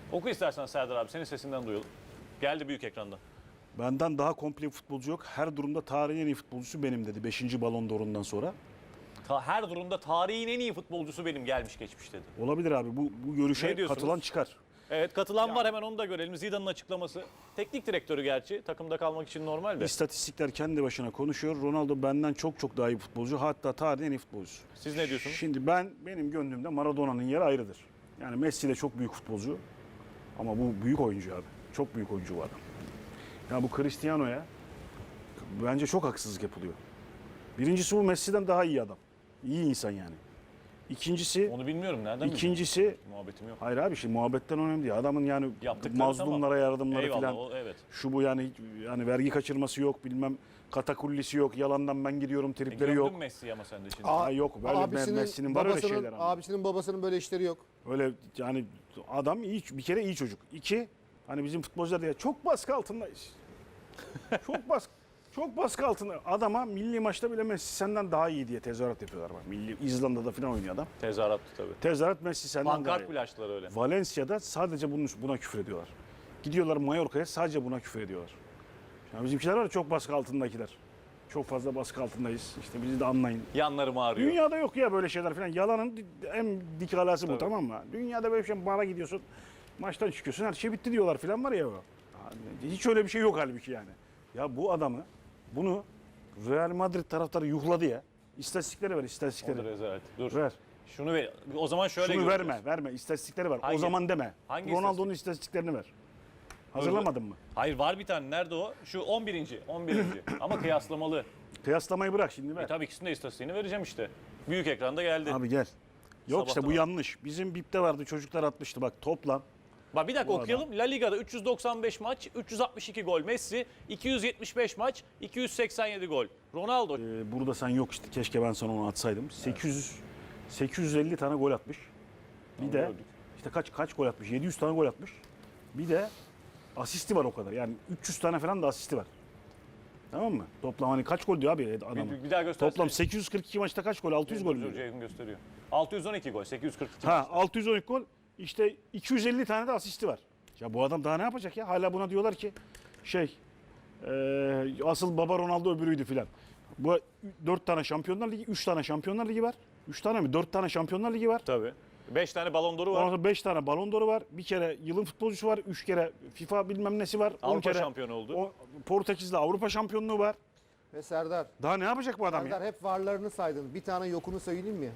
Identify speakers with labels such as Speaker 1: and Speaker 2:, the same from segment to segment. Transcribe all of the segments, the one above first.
Speaker 1: Oku istersen Serdar abi. Senin sesinden duyalım. Geldi büyük ekranda.
Speaker 2: Benden daha komple bir futbolcu yok. Her durumda tarihin en iyi futbolcusu benim dedi. 5. Ballon d'Or'undan sonra.
Speaker 1: Her durumda tarihin en iyi futbolcusu benim gelmiş geçmiş dedi.
Speaker 2: Olabilir abi. Bu görüşe
Speaker 1: Ne diyorsunuz?
Speaker 2: katılan çıkar.
Speaker 1: Evet, katılan var, hemen onu da görelim. Zidane'ın açıklaması. Teknik direktörü gerçi. Takımda kalmak için normal de.
Speaker 2: İstatistikler kendi başına konuşuyor. Ronaldo benden çok daha iyi futbolcu. Hatta tarihin en iyi futbolcusu.
Speaker 1: Siz ne diyorsunuz?
Speaker 2: Şimdi benim gönlümde Maradona'nın yeri ayrıdır. Yani Messi de çok büyük futbolcu. Ama bu büyük oyuncu abi. Çok büyük oyuncu bu adam. Ya bu Cristiano'ya bence çok haksızlık yapılıyor. Birincisi bu Messi'den daha iyi adam. İyi insan yani. İkincisi,
Speaker 1: Onu bilmiyorum. Nereden
Speaker 2: İkincisi,
Speaker 1: muhabbetim yok.
Speaker 2: hayır abi şimdi muhabbetten önemli değil. Adamın yani
Speaker 1: Yaptıkları
Speaker 2: mazlumlara
Speaker 1: tamam.
Speaker 2: yardımları
Speaker 1: Eyvallah,
Speaker 2: falan.
Speaker 1: evet.
Speaker 2: Şu bu yani vergi kaçırması yok, bilmem katakullisi yok, yalandan ben gidiyorum tripleri
Speaker 1: Gördün
Speaker 2: yok.
Speaker 1: Messi ama sen de şimdi.
Speaker 2: Aa, yok böyle Messi'nin var öyle şeyler ama.
Speaker 3: Abisinin babasının böyle işleri yok.
Speaker 2: Öyle yani adam iyi, bir kere iyi çocuk. İki, hani bizim futbolcular diye çok baskı altındayız. çok baskı altında. Adama milli maçta bile Messi senden daha iyi diye tezahürat yapıyorlar. Bak. İzlanda'da falan oynuyor adam.
Speaker 1: Tezahürattı tabii.
Speaker 2: Tezahürat Messi senden daha
Speaker 1: Pankart
Speaker 2: iyi.
Speaker 1: bile açtılar öyle.
Speaker 2: Valencia'da sadece buna küfür ediyorlar. Gidiyorlar Mallorca'ya sadece buna küfür ediyorlar. Yani bizimkiler var ya, çok baskı altındakiler. Çok fazla baskı altındayız. İşte bizi de anlayın.
Speaker 1: Yanlarım ağrıyor.
Speaker 2: Dünyada yok ya böyle şeyler falan. Yalanın en dik alası bu,
Speaker 1: Tabii.
Speaker 2: tamam mı? Dünyada böyle bir şey, bara gidiyorsun, maçtan çıkıyorsun, her şey bitti diyorlar falan var ya. Hiç öyle bir şey yok halbuki yani. Ya bu adamı, bunu Real Madrid taraftarı yuhladı ya. İstatistikleri ver,
Speaker 1: O da
Speaker 2: istatistikleri.
Speaker 1: rezalet. Dur.
Speaker 2: Ver.
Speaker 1: Şunu ver. O zaman şöyle
Speaker 2: Şunu
Speaker 1: göreceğiz.
Speaker 2: verme. İstatistikleri ver.
Speaker 1: Hangi?
Speaker 2: O zaman deme.
Speaker 1: Hangi
Speaker 2: Ronaldo'nun istatistiklerini ver. Hazırlamadın mı?
Speaker 1: Hayır, var bir tane. Nerede o? Şu 11. Ama kıyaslamalı.
Speaker 2: Kıyaslamayı bırak şimdi ver.
Speaker 1: Tabii ikisinin de istatistiğini vereceğim işte. Büyük ekranda geldi.
Speaker 2: Abi gel. Yok işte bu
Speaker 1: Sabahtan
Speaker 2: yanlış. Bizim BİP'te vardı, çocuklar atmıştı bak toplam.
Speaker 1: Bak bir dakika
Speaker 2: Bu
Speaker 1: okuyalım. La Liga'da 395 maç, 362 gol Messi, 275 maç, 287 gol. Ronaldo.
Speaker 2: Burada sen yok işte, keşke ben sana onu atsaydım. 850 tane gol atmış. Bir de
Speaker 1: gördük.
Speaker 2: işte kaç gol atmış? 700 tane gol atmış. Bir de asisti var o kadar. Yani 300 tane falan da asisti var. Tamam mı? Toplam hani kaç gol diyor abi adamın?
Speaker 1: Bir daha göstersene.
Speaker 2: Toplam 842 maçta kaç gol? 600 gol mü?
Speaker 1: Ceyhun gösteriyor. 612 gol, 842
Speaker 2: Ha,
Speaker 1: maç.
Speaker 2: 612 gol. İşte 250 tane de asisti var. Ya bu adam daha ne yapacak ya? Hala buna diyorlar ki asıl baba Ronaldo öbürüydü filan. Bu 4 tane Şampiyonlar Ligi, 3 tane Şampiyonlar Ligi var. 3 tane mi? 4 tane Şampiyonlar Ligi var.
Speaker 1: Tabii. 5 tane Ballon d'Or'u
Speaker 2: Ondan
Speaker 1: var.
Speaker 2: sonra 5 tane Ballon d'Or'u var. Bir kere yılın futbolcusu var. 3 kere FIFA bilmem nesi var. 10
Speaker 1: Avrupa
Speaker 2: kere
Speaker 1: şampiyonu oldu.
Speaker 2: Portekiz'de Avrupa şampiyonluğu var.
Speaker 3: Ve Serdar,
Speaker 2: Daha ne yapacak bu adam
Speaker 3: Serdar
Speaker 2: ya?
Speaker 3: hep varlarını saydın. Bir tane yokunu söyleyeyim mi?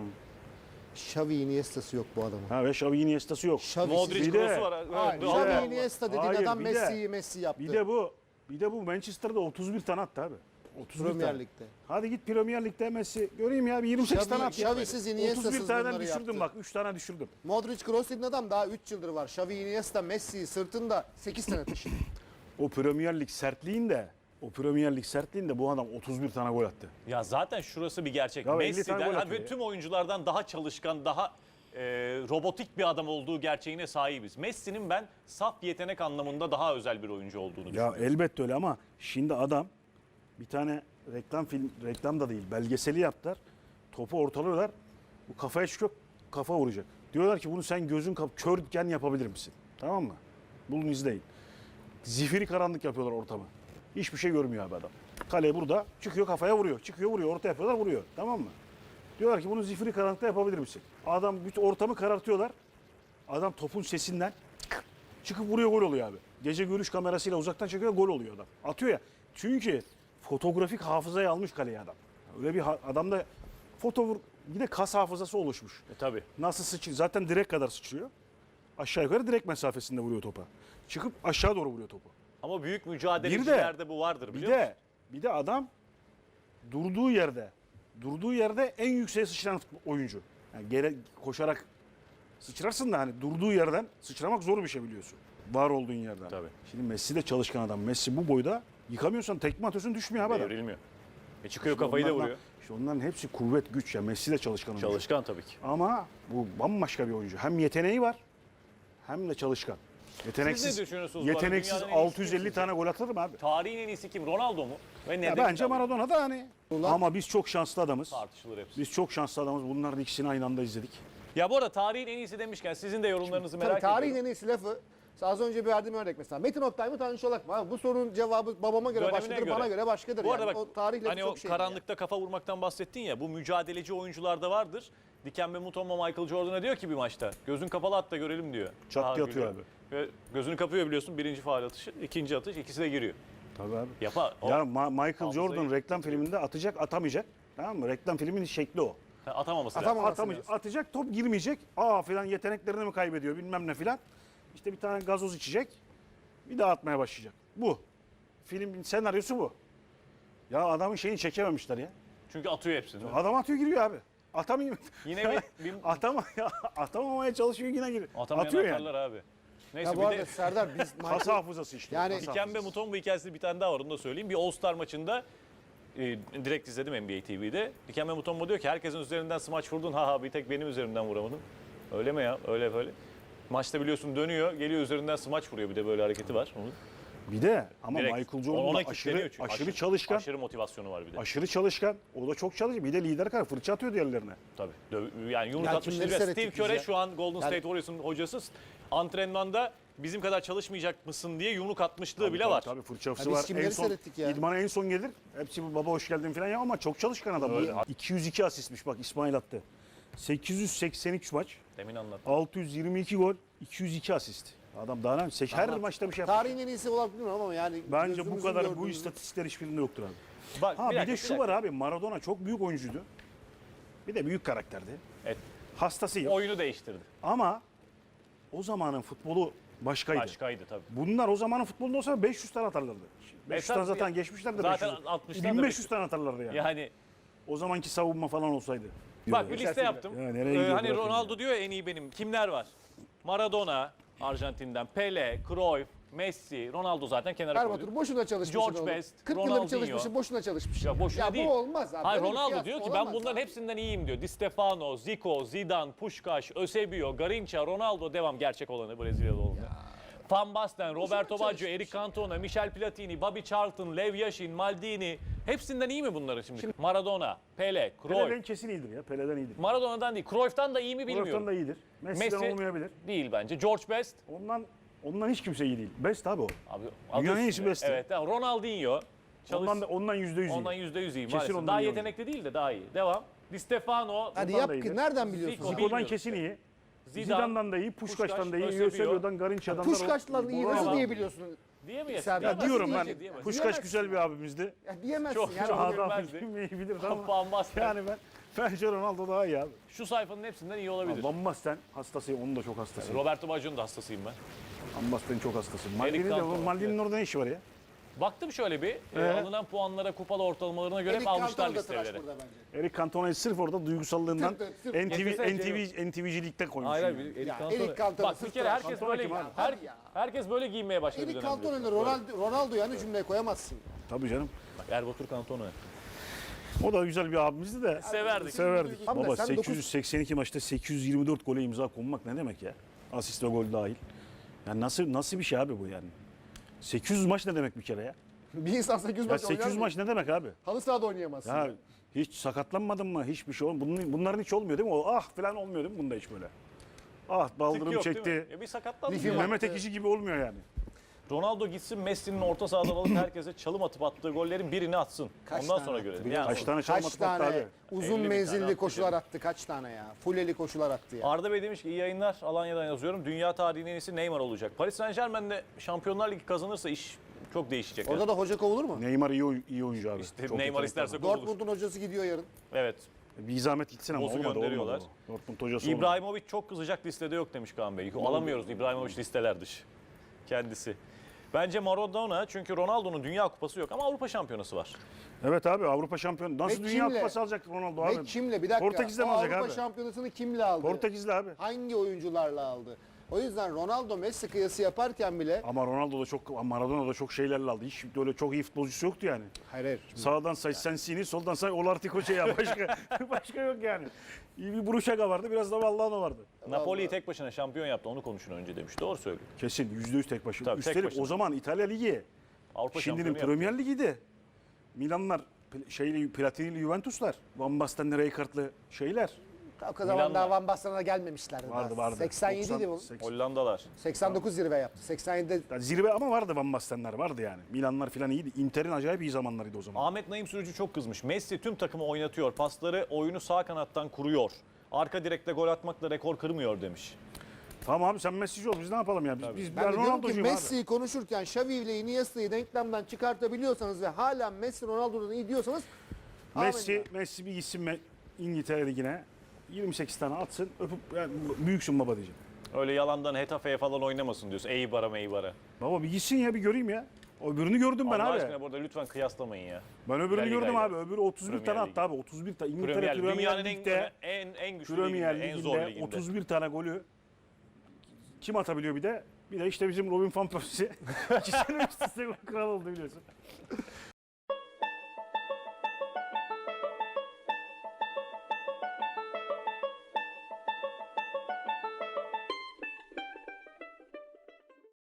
Speaker 3: Xavi Iniesta'sı yok bu adamın.
Speaker 2: Ha ve Xavi Iniesta'sı yok.
Speaker 3: Xavi'siz-
Speaker 1: Modric
Speaker 2: Bir de-
Speaker 1: Kroos'u var.
Speaker 3: Hayır,
Speaker 1: Evet,
Speaker 3: Xavi
Speaker 1: Allah Allah.
Speaker 3: Iniesta dediğin
Speaker 2: Hayır,
Speaker 3: adam
Speaker 2: bir de-
Speaker 3: Messi yaptı.
Speaker 2: Bir de bu Manchester'da 31 tane attı abi. 31
Speaker 3: Premier
Speaker 2: tane.
Speaker 3: Lig'de.
Speaker 2: Hadi git Premier Lig'de Messi. Göreyim ya bir 28 tane at. ya.
Speaker 3: Xavi'siz, Iniesta'sız
Speaker 2: 31 taneden
Speaker 3: bunları
Speaker 2: düşürdüm
Speaker 3: yaptı.
Speaker 2: bak. 3 tane düşürdüm.
Speaker 3: Modric Kroos dediğin adam daha 3 yıldır var. Xavi Iniesta Messi'yi sırtında 8 sene taşıdı.
Speaker 2: O Premier Lig sertliğinde bu adam 31 tane gol attı.
Speaker 1: Ya zaten şurası bir gerçek.
Speaker 2: Ya 50 tane
Speaker 1: Messi'den
Speaker 2: gol atıyor
Speaker 1: ve
Speaker 2: ya.
Speaker 1: tüm oyunculardan daha çalışkan, daha robotik bir adam olduğu gerçeğine sahibiz. Messi'nin ben saf yetenek anlamında daha özel bir oyuncu olduğunu
Speaker 2: Ya
Speaker 1: düşünüyorum.
Speaker 2: elbette öyle ama şimdi adam bir tane reklam da değil belgeseli yaptılar. Topu ortalıyorlar. Bu kafaya çıkıyor, kafa vuracak. Diyorlar ki bunu sen gözün körken yapabilir misin? Tamam mı? Bulun izleyin. Zifiri karanlık yapıyorlar ortamı. Hiçbir şey görmüyor abi adam. Kale burada çıkıyor, kafaya vuruyor. Çıkıyor, vuruyor. Orta yapıyorlar, vuruyor. Tamam mı? Diyorlar ki bunu zifiri karanlıkta yapabilir misin? Adam bütün ortamı karartıyorlar. Adam topun sesinden çıkıp vuruyor, gol oluyor abi. Gece görüş kamerasıyla uzaktan çekiyor, gol oluyor adam. Atıyor ya. Çünkü fotoğrafik hafızayı almış kaleye adam. Öyle bir adamda bir de kas hafızası oluşmuş.
Speaker 1: Tabii.
Speaker 2: Nasıl sıçrıyor? Zaten direk kadar sıçrıyor. Aşağı yukarı direk mesafesinde vuruyor topa. Çıkıp aşağı doğru vuruyor topu.
Speaker 1: Ama büyük mücadelecilerde bu vardır biliyor musun?
Speaker 2: Bir de adam durduğu yerde en yükseğe sıçrayan oyuncu. Yani koşarak sıçrarsın da hani durduğu yerden sıçramak zor bir şey biliyorsun. Var olduğun yerden.
Speaker 1: Tabii.
Speaker 2: Şimdi Messi de çalışkan adam. Messi bu boyda yıkamıyorsan tekme atıyorsun, düşmüyor abi adam.
Speaker 1: Devrilmiyor. Çıkıyor kafayı da vuruyor.
Speaker 2: İşte onların hepsi kuvvet, güç ya. Messi de çalışkan oyuncu.
Speaker 1: Çalışkan tabii ki.
Speaker 2: Ama bu bambaşka bir oyuncu. Hem yeteneği var hem de çalışkan.
Speaker 1: Siz ne düşünüyorsunuz bu arada?
Speaker 2: Yeteneksiz
Speaker 1: Dünyanın en iyisi
Speaker 2: 650
Speaker 1: kim
Speaker 2: tane gol atar mı abi?
Speaker 1: Tarihin en iyisi kim? Ronaldo mu? Ve neden?
Speaker 2: Ya bence Maradona da hani.
Speaker 3: Ulan-
Speaker 2: Ama biz çok şanslı adamız.
Speaker 1: Tartışılır hepsi.
Speaker 2: Biz çok şanslı adamız. Bunların ikisini aynı anda izledik.
Speaker 1: Ya bu arada tarihin en iyisi demişken sizin de yorumlarınızı merak
Speaker 3: Tabii
Speaker 1: ediyorum.
Speaker 3: tarihin en iyisi lafı. Az önce bir verdiğim örnek mesela. Metin Oktay mı Tanju Çolak mı? Abi bu sorunun cevabı babama göre
Speaker 1: Dönemine
Speaker 3: başkadır,
Speaker 1: göre.
Speaker 3: bana göre başkadır.
Speaker 1: Bu arada
Speaker 3: yani.
Speaker 1: bak
Speaker 3: O tarih lafı
Speaker 1: hani o
Speaker 3: çok şey.
Speaker 1: karanlıkta kafa vurmaktan bahsettin ya, bu mücadeleci oyuncularda vardır. Dikembe Mutombo Michael Jordan'a diyor ki bir maçta gözün kapalı at da görelim diyor.
Speaker 2: Çat
Speaker 1: Daha
Speaker 2: diye atıyor
Speaker 1: gülüyor. Ve gözünü kapıyor biliyorsun, birinci faul atışı, ikinci atış, ikisi de giriyor.
Speaker 2: Tabii abi.
Speaker 1: Yapar. O-
Speaker 2: Ya Michael
Speaker 1: hafızayı-
Speaker 2: Jordan reklam filminde atacak, atamayacak. Tamam mı? Reklam filminin şekli o.
Speaker 1: Atamaması lazım.
Speaker 3: Atamaması
Speaker 2: Atamayacak,
Speaker 3: lazım.
Speaker 2: atacak, top girmeyecek. Aa filan yeteneklerini mi kaybediyor bilmem ne filan. İşte bir tane gazoz içecek. Bir daha atmaya başlayacak. Bu. Filmin senaryosu bu. Ya adamın şeyini çekememişler ya.
Speaker 1: Çünkü atıyor hepsini. değil mi?
Speaker 2: Adam atıyor giriyor abi. Atamayayım.
Speaker 1: Yine bir
Speaker 2: Atamamaya çalışıyor yine giriyor.
Speaker 1: atamayan
Speaker 2: Atıyor yani.
Speaker 1: atarlar abi. Neyse
Speaker 3: Ya bu
Speaker 1: bir
Speaker 3: arada
Speaker 1: de
Speaker 3: Serdar biz
Speaker 2: Kas hafızası işte.
Speaker 3: Yani-
Speaker 2: kas
Speaker 1: Dikembe
Speaker 2: hafızası.
Speaker 1: Mutombo hikayesi bir tane daha var, onu da söyleyeyim. Bir All-Star maçında direkt izledim NBA TV'de. Dikembe Mutombo diyor ki herkesin üzerinden smaç vurdun, ha bir tek benim üzerimden vuramadın. Öyle mi ya? Öyle böyle. Maçta biliyorsun dönüyor, geliyor üzerinden smaç vuruyor, bir de böyle hareketi var. Onun.
Speaker 2: Bir de ama
Speaker 1: Direkt.
Speaker 2: Michael Jordan
Speaker 1: Ona
Speaker 2: da
Speaker 1: kilitleniyor çünkü.
Speaker 2: aşırı çalışkan.
Speaker 1: Aşırı motivasyonu var bir de.
Speaker 2: Aşırı çalışkan. O da çok çalışkan. Bir de lider kar fırça atıyor diğerlerine.
Speaker 1: Tabii. Yani yumruk
Speaker 3: Ya
Speaker 1: atmıştır
Speaker 3: kimleri
Speaker 1: ve Steve
Speaker 3: seyrettik
Speaker 1: Kerr
Speaker 3: biz ya?
Speaker 1: şu an Golden State Warriors'ın hocası, antrenmanda bizim kadar çalışmayacak mısın diye yumruk atmışlığı bile var.
Speaker 2: Tabii fırçası
Speaker 3: Ya biz
Speaker 2: var.
Speaker 3: kimleri
Speaker 2: En son
Speaker 3: seyrettik ya?
Speaker 2: idmana en son gelir. Hepsi bu baba hoş geldin falan ya ama çok çalışkan adam.
Speaker 1: Öyle.
Speaker 2: 202 asistmiş bak İsmail attı. 883 maç,
Speaker 1: Demin anlattım.
Speaker 2: 622 gol, 202 asist. Adam daha ne? Her maçta bir şey yapıyor.
Speaker 3: tarihin en iyisi olarak bilmiyorum ama yani
Speaker 2: Bence bu
Speaker 3: gözümüzün
Speaker 2: kadar bu
Speaker 3: gördüğümüz-
Speaker 2: istatistikler hiçbirinde yoktur abi.
Speaker 1: Bak,
Speaker 2: Ha bir
Speaker 1: dakika,
Speaker 2: de şu
Speaker 1: dakika.
Speaker 2: var abi, Maradona çok büyük oyuncuydu. Bir de büyük karakterdi.
Speaker 1: Evet,
Speaker 2: Hastasıyım.
Speaker 1: oyunu değiştirdi.
Speaker 2: Ama o zamanın futbolu başkaydı.
Speaker 1: Başkaydı tabii.
Speaker 2: Bunlar o zamanın futbolunda olsa 500 tane atarlardı. 500 tane
Speaker 1: Esas
Speaker 2: zaten
Speaker 1: ya-
Speaker 2: geçmişlerdi.
Speaker 1: zaten
Speaker 2: 500.
Speaker 1: 60'tan da
Speaker 2: 1500 tane atarlardı yani.
Speaker 1: Yani
Speaker 2: O zamanki savunma falan olsaydı.
Speaker 1: bak bir liste yaptım.
Speaker 2: Ya nereye gidiyor
Speaker 1: Hani
Speaker 2: bırakın
Speaker 1: Ronaldo
Speaker 2: ya.
Speaker 1: diyor ya en iyi benim. Kimler var? Maradona Arjantin'den, Pele, Cruyff, Messi, Ronaldo zaten kenara koyduk.
Speaker 3: Erbatur boşuna çalışmışsın
Speaker 1: George
Speaker 3: oğlum.
Speaker 1: Best,
Speaker 3: 40 yıldır
Speaker 1: Ronaldinho.
Speaker 3: çalışmışsın, boşuna çalışmışsın.
Speaker 1: Ya boşuna değil.
Speaker 3: bu olmaz abi.
Speaker 1: Hayır,
Speaker 3: Böyle bir
Speaker 1: Ronaldo
Speaker 3: kıyas
Speaker 1: diyor ki ben
Speaker 3: olamaz
Speaker 1: bunların
Speaker 3: abi.
Speaker 1: hepsinden iyiyim diyor. Di Stefano, Zico, Zidane, Puskás, Eusebio, Garrincha, Ronaldo devam, gerçek olanı Brezilyalı oldu. Van Basten, Roberto Baggio, Eric Cantona, Michel Platini, Bobby Charlton, Lev Yashin, Maldini. Hepsinden iyi mi bunların şimdi? Maradona, Pele,
Speaker 2: Pele'den
Speaker 1: Cruyff.
Speaker 2: kesin iyidir ya. Pele'den iyidir.
Speaker 1: Maradona'dan değil, Cruyff'tan da iyi mi bilmiyorum.
Speaker 2: Cruyff'tan da iyidir. Messi'den
Speaker 1: Messi
Speaker 2: olmayabilir.
Speaker 1: değil bence. George Best.
Speaker 2: Ondan hiç kimse iyi değil. Best abi o.
Speaker 1: Abi,
Speaker 2: Dünyanın
Speaker 1: adı
Speaker 2: en iyisi
Speaker 1: üstünde.
Speaker 2: Best'i.
Speaker 1: Evet, tamam. Ronaldinho.
Speaker 2: Ondan %100 iyi.
Speaker 1: Ondan %100 iyi
Speaker 2: Kesin
Speaker 1: maalesef.
Speaker 2: ondan
Speaker 1: Daha
Speaker 2: iyi
Speaker 1: yetenekli değil de daha iyi. Devam. Di Stefano,
Speaker 3: Hadi
Speaker 2: Ondan
Speaker 3: yap
Speaker 2: da iyidir.
Speaker 3: ki nereden biliyorsun?
Speaker 1: Zico.
Speaker 3: Zico.
Speaker 2: Zico'dan
Speaker 1: bilmiyorum
Speaker 2: kesin iyi.
Speaker 1: Zidane,
Speaker 2: Zidane'dan da iyi, Puskás'tan da iyi,
Speaker 1: Eusebio.
Speaker 2: Eusebio'dan, Garrincha'dan da.
Speaker 3: Puşkaşların iyi nasıl
Speaker 2: Ronaldo.
Speaker 3: diyebiliyorsun?
Speaker 1: diyemeyiz.
Speaker 3: Serdar,
Speaker 2: Ya
Speaker 3: Nasıl
Speaker 2: diyorum ben.
Speaker 3: diyecek,
Speaker 1: diyemez.
Speaker 2: Puskás
Speaker 3: Diyemezsin
Speaker 2: güzel bir abimizdi.
Speaker 3: Ya diyemezsin
Speaker 1: Çok-
Speaker 3: yani.
Speaker 1: çok-
Speaker 3: Onu-
Speaker 2: Adam
Speaker 1: bilmezdi.
Speaker 2: bilmeyi bilirdi ama.
Speaker 1: Van Basten.
Speaker 2: Yani bence Ronaldo daha iyi abi.
Speaker 1: Şu sayfanın hepsinden iyi olabilir.
Speaker 2: Van Basten hastasıyım, onun da çok hastasıyım.
Speaker 1: Roberto Baggio'nun da hastasıyım ben.
Speaker 2: Van Basten'in çok hastasıyım.
Speaker 1: Eric Cantona,
Speaker 2: Maldini'nin orada ne işi var ya?
Speaker 1: Baktım şöyle bir alınan puanlara, kupalı ortalamalarına göre hep
Speaker 3: Eric
Speaker 1: almışlar
Speaker 3: Cantona da tıraş
Speaker 1: listeleri.
Speaker 3: burada bence.
Speaker 2: Eric Cantona'yı sırf orada duygusallığından
Speaker 3: Sırf-
Speaker 2: NTV'cilikte koymuş.
Speaker 1: Hayır
Speaker 2: yani.
Speaker 1: hayır. Eric
Speaker 3: Ya,
Speaker 1: Cantona.
Speaker 3: Eric Cantona
Speaker 1: Bak bir
Speaker 3: sırf
Speaker 1: kere
Speaker 3: tıraş.
Speaker 1: herkes
Speaker 2: Cantona
Speaker 1: böyle
Speaker 2: kim abi?
Speaker 3: Hadi ya.
Speaker 1: herkes böyle giyinmeye başladı. bir
Speaker 3: Eric
Speaker 1: dönem
Speaker 3: Cantona'yı
Speaker 1: biliyorsun.
Speaker 3: Ronaldo yani cümleye koyamazsın.
Speaker 2: Tabii canım.
Speaker 1: Bak, Erbatur Cantona.
Speaker 2: O da güzel bir abimizdi de.
Speaker 1: Severdik.
Speaker 2: Severdik.
Speaker 3: Abi de
Speaker 2: Baba
Speaker 3: sen
Speaker 2: 882 maçta 824 gole imza konmak ne demek ya? Asist ve gol dahil. Yani nasıl bir şey abi bu yani? 800 maç ne demek bir kere ya?
Speaker 3: Bir insan 800
Speaker 2: Ya
Speaker 3: maç oynar
Speaker 2: 800
Speaker 3: mı?
Speaker 2: maç ne demek abi?
Speaker 3: Halı sahada oynayamazsın.
Speaker 2: Ya hiç sakatlanmadın mı? Hiçbir şey olmuyor. Bunların hiç olmuyor değil mi? O ah falan olmuyor değil mi bunda hiç böyle? Ah
Speaker 1: Tık
Speaker 2: baldırım
Speaker 1: yok, değil
Speaker 2: çekti.
Speaker 1: mi? Bir sakatlandı.
Speaker 3: Lifim
Speaker 1: ya.
Speaker 3: var.
Speaker 2: Mehmet Ekici gibi olmuyor yani.
Speaker 1: Ronaldo gitsin, Messi'nin orta sahadan alıp herkese çalım atıp attığı gollerin birini atsın.
Speaker 3: Kaç
Speaker 1: Ondan
Speaker 3: tane
Speaker 1: sonra
Speaker 3: attı
Speaker 1: görelim.
Speaker 3: biliyor
Speaker 1: Yani
Speaker 2: Kaç tane çalım
Speaker 3: Kaç
Speaker 2: atıp attı
Speaker 3: tane
Speaker 2: abi?
Speaker 3: uzun
Speaker 1: 50 bin tane
Speaker 3: menzilli
Speaker 1: attı
Speaker 3: koşular
Speaker 1: canım.
Speaker 3: attı kaç tane ya. Fulleli koşular attı ya.
Speaker 1: Arda Bey demiş ki iyi yayınlar, Alanya'dan yazıyorum. Dünya tarihinin en iyisi Neymar olacak. Paris Saint Germain'de Şampiyonlar Ligi kazanırsa iş çok değişecek.
Speaker 3: Orada da hoca kovulur mu?
Speaker 2: Neymar iyi oyuncu abi.
Speaker 1: İşte
Speaker 2: Çok
Speaker 1: Neymar
Speaker 2: yetenekli
Speaker 1: isterse
Speaker 2: adam.
Speaker 1: kovulur.
Speaker 3: Dortmund'un hocası gidiyor yarın.
Speaker 1: Evet.
Speaker 2: Bir zahmet gitsin ama
Speaker 1: Boz'u
Speaker 2: olmadı.
Speaker 1: gönderiyorlar.
Speaker 2: Dortmund hocası olmadı.
Speaker 1: İbrahimovic çok kızacak listede yok demiş Kaan Bey. Alamıyoruz İbrahimovic listeler dışı. Kendisi. Bence Maradona, çünkü Ronaldo'nun Dünya Kupası yok ama Avrupa Şampiyonası var.
Speaker 2: Evet abi Avrupa şampiyonu. Nasıl
Speaker 3: Ve
Speaker 2: Dünya
Speaker 3: kimle?
Speaker 2: Kupası alacak Ronaldo abi?
Speaker 3: Ve kimle? Bir dakika.
Speaker 2: Portekiz'de
Speaker 3: O
Speaker 2: mi alacak
Speaker 3: Avrupa
Speaker 2: abi?
Speaker 3: Şampiyonası'nı kimle aldı?
Speaker 2: Portekizli abi.
Speaker 3: Hangi oyuncularla aldı? O yüzden Ronaldo Messi kıyası yaparken bile
Speaker 2: Ama Ronaldo da çok, Maradona da çok şeylerle aldı. Hiç öyle çok iyi futbolcusu yoktu yani.
Speaker 3: hayır.
Speaker 2: Sağdan say Sensini, soldan say Olartikoçe ya. Başka yok yani. İyi bir Buruşaka vardı, biraz da Vallano vardı.
Speaker 1: Napoli'yi tek başına şampiyon yaptı. Onu konuşun önce demiş. Doğru söylüyor.
Speaker 2: Kesin %100 tek başına.
Speaker 1: Tabii, tek
Speaker 2: Üstelik
Speaker 1: başına.
Speaker 2: o zaman İtalya Ligi.
Speaker 1: Avrupa
Speaker 2: Şimdinin
Speaker 1: şampiyonu yaptı.
Speaker 2: Premier Ligi'de. Milanlar, Platini'li Juventuslar, Van Basten'li Rijkaard'lı şeyler.
Speaker 3: O kadar daha
Speaker 1: Milan'la.
Speaker 3: Van Basten'a gelmemişlerdi.
Speaker 2: Vardı
Speaker 3: daha.
Speaker 2: vardı.
Speaker 3: 87 idi bu.
Speaker 2: 80.
Speaker 1: Hollandalar.
Speaker 3: 89 zirve yaptı. 87'de
Speaker 2: Yani zirve ama vardı Van Bastenler vardı yani. Milanlar falan iyiydi. Inter'in acayip iyi zamanlarıydı o zaman.
Speaker 1: Ahmet Naim Sürücü çok kızmış. Messi tüm takımı oynatıyor. Pasları, oyunu sağ kanattan kuruyor. Arka direkte gol atmakla rekor kırmıyor demiş.
Speaker 2: Tamam abi sen Messi'ci ol biz ne yapalım ya? Biz
Speaker 3: ben de diyorum ki
Speaker 2: Ronaldo'cuyum abi.
Speaker 3: Messi'yi konuşurken Xavi ile Iniesta'yı denklemden çıkartabiliyorsanız ve hala Messi Ronaldo'dan iyi diyorsanız
Speaker 2: Messi bir gitsin İngiltere Ligi'ne 28 tane atsın öpüp yani, büyüksün baba diyeceğim.
Speaker 1: Öyle yalandan Hetafe'ye falan oynamasın diyorsun. Eybar'a meybar'a.
Speaker 2: Baba bir gitsin ya bir göreyim ya. O öbürünü gördüm ben
Speaker 1: Allah
Speaker 2: abi.
Speaker 1: aşkına burada lütfen kıyaslamayın ya.
Speaker 2: Ben öbürünü
Speaker 1: Premier
Speaker 2: gördüm
Speaker 1: Lig'e.
Speaker 2: abi. Öbürü 31
Speaker 1: Premier
Speaker 2: tane
Speaker 1: Lig.
Speaker 2: attı abi. 31 tane. İngiltere
Speaker 1: Premier,
Speaker 2: Premier
Speaker 1: dünyanın
Speaker 2: Lig'de
Speaker 1: en güçlü
Speaker 2: Premier
Speaker 1: liginde, en zor
Speaker 2: Ligi'nde
Speaker 1: liginde.
Speaker 2: 31 tane golü kim atabiliyor bir de? Bir de işte bizim Robin van Persie. 2 sene üst üste gol kral oldu biliyorsun.